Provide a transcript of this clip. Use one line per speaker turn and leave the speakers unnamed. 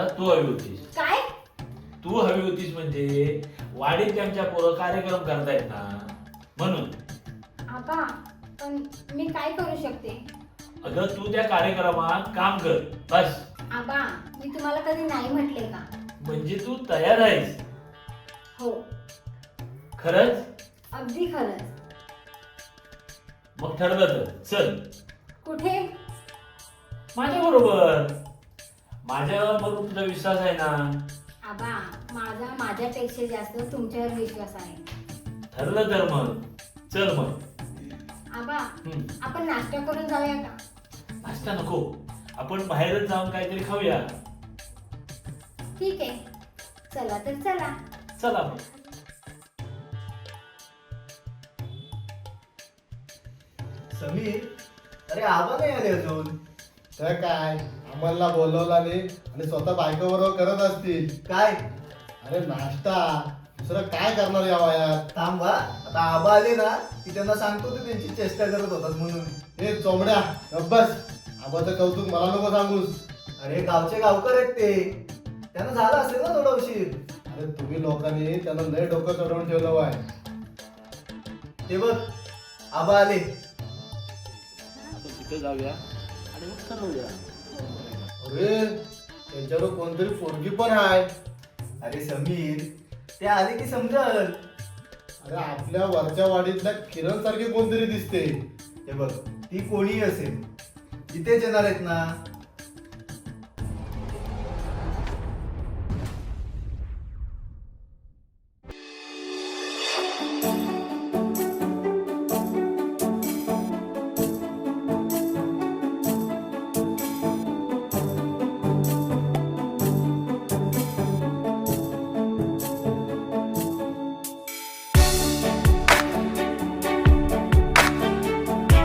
मला तू हवी होतीस.
काय?
तू हवी होतीस म्हणजे वाडीत त्यांच्या पोरं कार्यक्रम करतायत ना म्हणून.
आबा पण मी काय करू शकते?
अगं तू त्या कार्यक्रमात काम कर बस.
आबा मी तुम्हाला कधी नाही म्हटले का?
म्हणजे तू तयार आहेस?
हो,
खरंच?
अगदी खरंच.
मग ठरलं तर चल
कुठे?
माझ्या बरोबर. माझ्यावर तुझा विश्वास आहे ना?
आबा माझ्यापेक्षा जास्त तुमच्यावर विश्वास आहे.
ठरलं तर मग चल मग.
आबा
हम्म.
आपण नाश्ता करून जाऊया का?
नाश्ता नको, आपण बाहेरच जाऊन काहीतरी खाऊया.
ठीक आहे, चला तर चला.
चला मग.
समीर, अरे आबा नाही आले अजून.
तर काय आम्हाला बोलवला नाही आणि स्वतः बायकोबरोबर करत असतील.
काय?
अरे नाश्ता, दुसरं काय करणार या वयात?
थांबा, आता आबा आले ना की त्यांना सांगतो ते त्यांची चेष्टा करत होतात म्हणून.
हे चोमड्या गप्प बस. आबाचं कौतुक मला नको सांगूस.
अरे गावचे गावकर आहेत ते, त्यांना झाला असेल ना थोडा उशीर.
अरे तुम्ही लोकांनी त्यांना लय डोकं चढवून ठेवलं वाय.
ते बघ आबा आले.
आपण तिथे जाऊया आणि मग ठरवूया.
अरे त्यांच्यावर कोणतरी पोरगी पण आहे.
अरे समीर, ते आले की समजल.
अरे आपल्या वरच्या वाडीतल्या किरण सारखी कोणतरी दिसते.
हे बघ, ती कोणी असेल इथेच येणार आहेत ना,